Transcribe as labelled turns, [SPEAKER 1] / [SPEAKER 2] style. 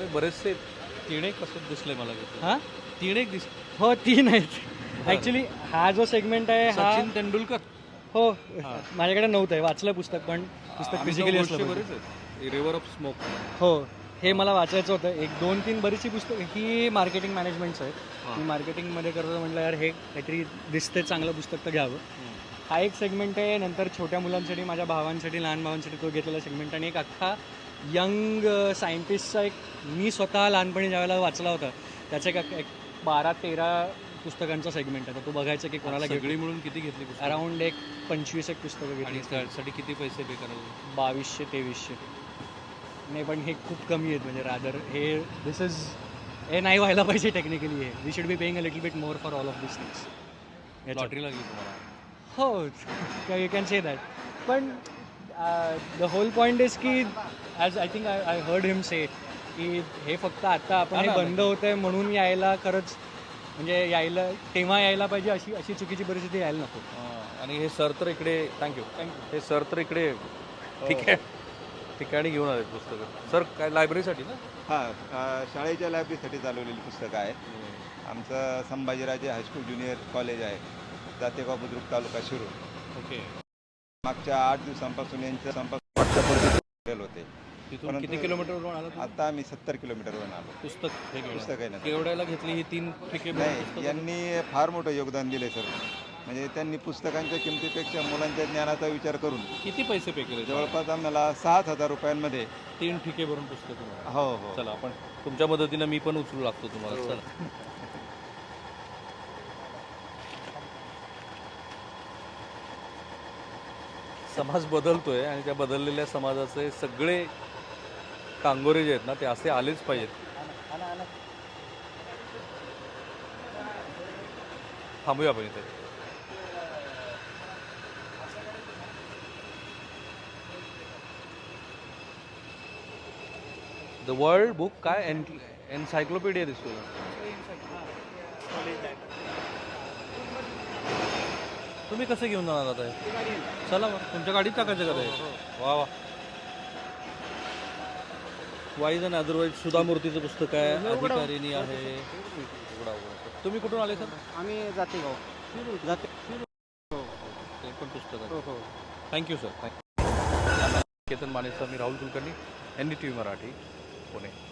[SPEAKER 1] बघतोय बरेचसे तीन एक असं दिसलंय मला
[SPEAKER 2] हां
[SPEAKER 1] तीन एक दिस
[SPEAKER 2] हो 3 आहेत ॲक्च्युली. हा जो सेगमेंट आहे हा
[SPEAKER 1] सचिन तेंडुलकर
[SPEAKER 2] हो माझ्याकडे नव्हतं आहे, वाचलं पुस्तक पण पुस्तक फिजिकली असलं
[SPEAKER 1] बरेच
[SPEAKER 2] पाहिजे.
[SPEAKER 1] आहेत रिव्हर ऑफ स्मोक.
[SPEAKER 2] हो हे मला वाचायचं होतं. 1 2 3 बरीचशी पुस्तकं ही मार्केटिंग मॅनेजमेंटचं आहे. मी मार्केटिंगमध्ये करतो म्हटलं यार हे काहीतरी दिसतंय चांगलं पुस्तक तर घ्यावं. हा एक सेगमेंट आहे. नंतर छोट्या मुलांसाठी, माझ्या भावांसाठी, लहान भावांसाठी तो घेतलेला सेगमेंट, आणि एक अख्खा यंग सायंटिस्टचा एक मी स्वतः लहानपणी ज्यावेळेला वाचला होता त्याचा एक 12-13 पुस्तकांचा सेगमेंट आहे. तर तो बघायचं की कोणाला
[SPEAKER 1] सगळी मिळून किती घेतली पुस्तकं?
[SPEAKER 2] अराउंड एक 25 एक पुस्तकं
[SPEAKER 1] आणि
[SPEAKER 2] घेतली.
[SPEAKER 1] त्यासाठी किती पैसे पे करायला?
[SPEAKER 2] 2200-2300. नाही पण हे खूप कमी आहेत, म्हणजे रादर हे दिस इज हे नाही व्हायला पाहिजे टेक्निकली. हे we should be paying a little bit more for all of this things.
[SPEAKER 1] Lottery लागली तुम्हाला?
[SPEAKER 2] हो यू कॅन से दॅट. पण द होल पॉईंट इज की as I think I heard him say की हे फक्त आता आपण हे बंद होतं आहे म्हणून यायला, खरंच म्हणजे यायला तेव्हा यायला पाहिजे अशी अशी चुकीची परिस्थिती यायला नको.
[SPEAKER 1] आणि हे सर तर इकडे थँक्यू हे सर तर इकडे ठीक आहे ठिकाणी घेऊन आले पुस्तकं. सर काय लायब्ररीसाठी ना?
[SPEAKER 3] हां, शाळेच्या लायब्ररीसाठी चालवलेली पुस्तकं आहेत. आमचं संभाजीराजे हायस्कूल ज्युनियर कॉलेज आहे, जातेगाव बुद्रुक, तालुका शिरूर.
[SPEAKER 1] ओके.
[SPEAKER 3] मागच्या 8 दिवसांपासून यांचं संपर्क होते.
[SPEAKER 1] तिथून किती किलोमीटरवरून आला तुम्ही?
[SPEAKER 3] आता आम्ही 70 किलोमीटरवरून आलो.
[SPEAKER 1] पुस्तक हे घेऊन
[SPEAKER 3] पुस्तक आहे ना.
[SPEAKER 1] केवढ्याला घेतली ही 3 ठिके?
[SPEAKER 3] नाही, यांनी फार मोठं योगदान दिलं सर. म्हणजे त्यांनी पुस्तकांच्या किमतीपेक्षा मुलांच्या ज्ञानाचा विचार करून
[SPEAKER 1] किती पैसे पे केले?
[SPEAKER 3] जवळपास आम्हाला 7,000 रुपयांमध्ये
[SPEAKER 1] 3 ठिके भरून पुस्तकं.
[SPEAKER 3] हो हो
[SPEAKER 1] चला आपण तुमच्या मदतीनं मी पण उचलू लागतो तुम्हाला. चला. समाज बदलतोय आणि त्या बदललेल्या समाजाचे सगळे कांगोरे जे आहेत ना ते असे आलेच पाहिजेत. थांबूया आपण इथे. द वर्ल्ड बुक काय एन्सायक्लोपीडिया दिसतो. तुम्ही कसं घेऊन जाणार आता हे? चला मग तुमच्या गाडीत टाकायचं का ते? वा वा. वाईज अँड अदरवाईज सुधा मूर्तीचं पुस्तक आहे, अधिकारिणी आहे. तुम्ही कुठून आले सर?
[SPEAKER 2] आम्ही जातेगाव जाते.
[SPEAKER 1] ते पण पुस्तक आहे. Thank you sir. थँक्यू. केतन मानेचा मी राहुल कुलकर्णी, NDTV मराठी, पुणे.